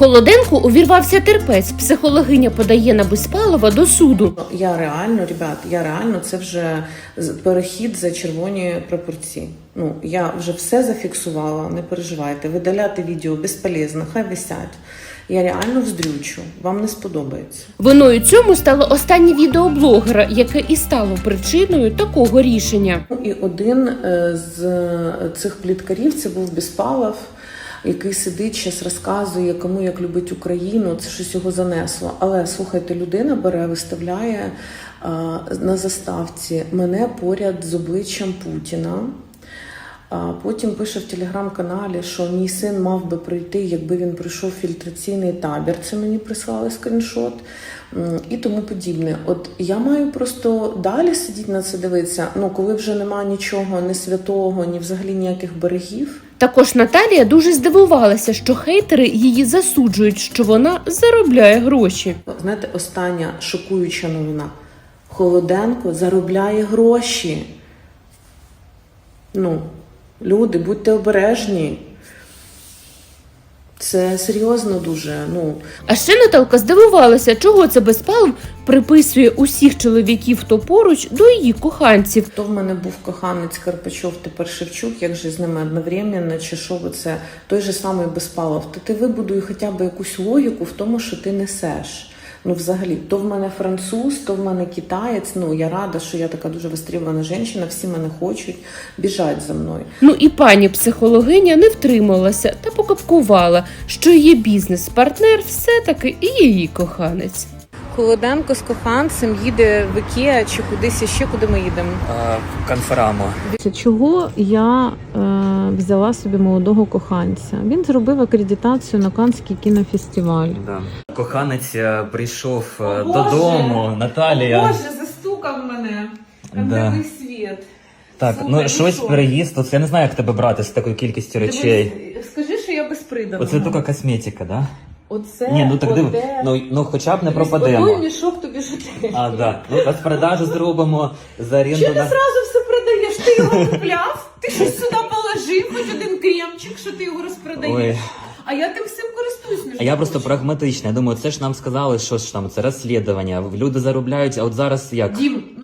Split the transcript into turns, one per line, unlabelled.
Холоденку увірвався терпець. Психологиня подає на Безпалова до суду.
Я реально, це вже перехід за червоні прапорці. Я вже все зафіксувала, не переживайте. Видаляти відео безполезно, хай висять. Я реально вздрючу, вам не сподобається.
Виною цьому стало останнє відео блогера, яке і стало причиною такого рішення.
І один з цих пліткарів, це був Безпалов, який сидить, зараз розказує, кому як любить Україну, це щось його занесло. Але, слухайте, людина бере, виставляє на заставці мене поряд з обличчям Путіна. Потім пише в телеграм-каналі, що мій син мав би прийти, якби він пройшов фільтраційний табір. Це мені прислали скріншот і тому подібне. От я маю просто далі сидіти на це дивитися, коли вже немає нічого, ні святого, ні взагалі ніяких берегів.
Також Наталія дуже здивувалася, що хейтери її засуджують, що вона заробляє гроші.
Знаєте, остання шокуюча новина. Холоденко заробляє гроші. Люди, будьте обережні. Це серйозно дуже.
А ще Наталка здивувалася, чого це Безпалов приписує усіх чоловіків, хто поруч, до її коханців.
То в мене був коханець Карпачов, тепер Шевчук, як же з ними одновременно, чи що це той же самий Безпалов. Ти вибудуй хоча б якусь логіку в тому, що ти несеш. Взагалі, то в мене француз, то в мене китаєць. Я рада, що я така дуже востребована жінка, всі мене хочуть, біжать за мною.
І пані психологиня не втрималася та покапкувала, що її бізнес-партнер все-таки і її коханець.
Холоденко з коханцем їде в Ікеа чи кудись ще, куди ми їдемо?
Конферамо.
Чого я взяла собі молодого коханця? Він зробив акредитацію на Каннський кінофестиваль.
Да. Коханець прийшов додому, Наталія.
Боже, застукав мене. Контактний світ.
Так,
Слухай,
щось
що?
переїзд. От я не знаю, як тебе брати з такою кількістю речей.
Скажи, що я безприданого.
Оце тільки косметика, да?
Оце,
Ні, так диви.
оте.
Хоча б не
Той
пропадемо.
мішок тобі жити.
Да. Розпродажу зробимо за оренду.
Чого ти зразу все продаєш? Ти його купляв? Ти щось сюди положив, хоч один кремчик, що ти його розпродаєш.
Ой.
А я тим всім користуюсь.
А я просто прагматична. Я думаю, це ж нам сказали, що ж там, це розслідування. Люди заробляють, а от зараз як?
Дім,